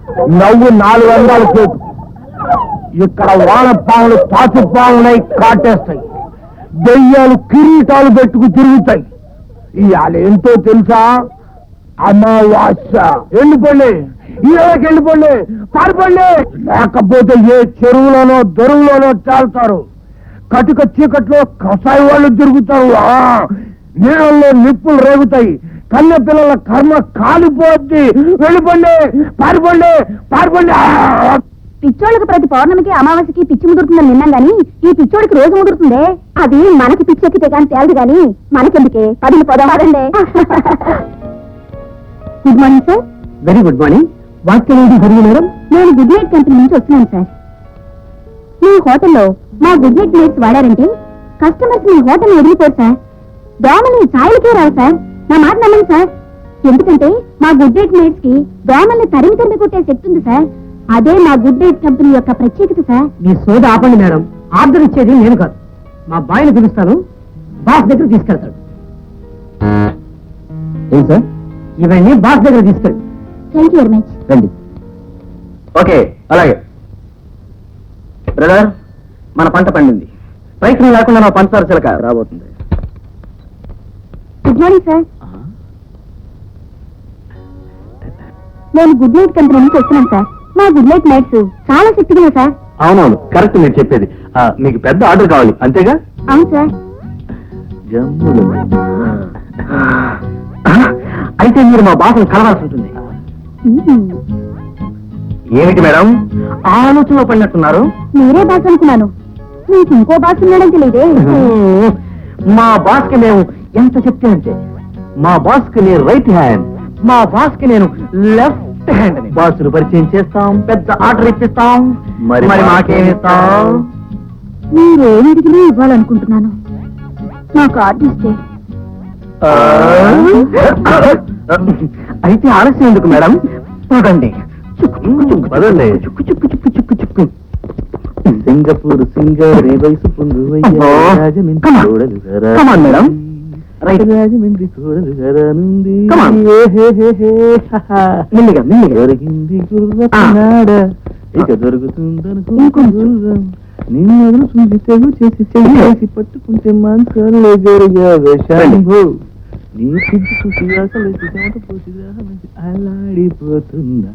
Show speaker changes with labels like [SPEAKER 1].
[SPEAKER 1] నవ్వు 400 చేతు. ఇక్కడ వానపాములు పాచుపాములై కాటేస్తాయి, దెయ్యాలు కిరీటాలు పెట్టుకు తిరుగుతాయి. ఇవాళ ఏంటో తెలుసా? అమావాస్య. వెళ్ళిపోండి, ఈరోజుకి వెళ్ళిపోండి, పారిపోండి. లేకపోతే ఏ చెరువులోనో దొరువులోనో చాలుతారు. కటిక చీకట్లో కషాయి వాళ్ళు తిరుగుతారు. నీళ్ళల్లో నిప్పులు రేగుతాయి. కన్నె పిల్లల కర్మ కాలిపోద్ది. వెళ్ళిపోండి, పారిపోండి, పారిపోండి.
[SPEAKER 2] పిచ్చోళ్ళకి ప్రతి పౌర్ణమికి అమావాస్యకి పిచ్చి ముదురుతుందని విన్నాం గాని ఈ పిచ్చోడికి రోజు ముదురుతుందే. అది మనకి పిచ్చెక్కితే కానీ తేలదు గాని మనకెందుకే? 10 పదహారండి. Good morning sir.
[SPEAKER 1] Very good morning. వాక్యం జరిగి మేడం?
[SPEAKER 2] నేను గుడ్ నైట్ కంపెనీ నుంచి వస్తున్నాను సార్. మీ హోటల్లో మా గుడ్ నైట్ మేట్స్ వాడారంటే కస్టమర్స్ మీ హోటల్ వదిలిపోరు సార్. దోమల్ని ఛాయలకే రావు సార్. నా మాట నమ్మండి సార్. ఎందుకంటే మా గుడ్ నైట్ మేట్స్ కి దోమల్ని తరిమి కొట్టే శక్తి ఉంది సార్. అదే మా గుడ్ నైట్ కంపెనీ యొక్క ప్రత్యేకత సార్.
[SPEAKER 1] మీ సోద ఆపండి మేడం. ఆర్డర్ ఇచ్చేది నేను కాదు, మా బాయ్ని పిలుస్తాను, బాస్ దగ్గర తీసుకెళ్తాడు. ఏం సార్? ఇవన్నీ బాస్ దగ్గర తీసుకెళ్ళి.
[SPEAKER 2] Thank you very much.
[SPEAKER 1] రండి. ఓకే, అలాగే. బ్రదర్, మన పంట పండింది. ప్రయత్నం లేకుండా నా పంచదార చిలక రాబోతుంది.
[SPEAKER 2] Good morning sir. నేను గుడ్ నైట్ కంపెనీ నుంచి వస్తున్నాను సార్. మా గుడ్ నైట్ నైట్స్ చాలా శక్తిగా సార్.
[SPEAKER 1] అవునవును, కరెక్ట్ మీరు చెప్పేది. మీకు పెద్ద ఆర్డర్ కావాలి అంతేగా?
[SPEAKER 2] అవును సార్.
[SPEAKER 1] అయితే మీరు మా బాసను కలవాల్సి ఉంటుంది. ఏమిటి మేడం ఆలోచనలో పడినట్టున్నారు?
[SPEAKER 2] మీరే బాస్ అనుకున్నాను. మీకు ఇంకో బాస్ ఉన్నాడని తెలియదే.
[SPEAKER 1] మా బాస్ కి మేము ఎంత చెప్తే అంటే, మా బాస్ కి నేను రైట్ హ్యాండ్, మా బాస్ కి నేను లెఫ్ట్ హ్యాండ్. బాసులు పరిచయం చేస్తాం, పెద్ద ఆర్డర్ ఇప్పిస్తాం. మరి మాకేమిస్తాం?
[SPEAKER 2] మీరేమిటికి ఇవ్వాలనుకుంటున్నాను. నాకు ఆర్డర్ ఇస్తే.
[SPEAKER 1] అయితే ఆలస్యం ఎందుకు మేడం? చూడండి, పదండి. చుక్కు చుక్కు చుక్కు చుక్కు చుక్కు. సింగపూర్ సింగరే వయసు పొందు మేడం. రాజమండ్రి చూడలు గరానుంది. మెల్లిగా మెల్లిగా. దొరికింది గుర్రనాడ, ఇక దొరుకుతుందనుకుంటున్నాం. నిన్ను చూసి తెగు చేసి చేసి పట్టుకుంటే మాంసాలే జరిగావే శాంభో. నీ సిద్ధి చూసి అసలు పోసి అలాడిపోతుందా.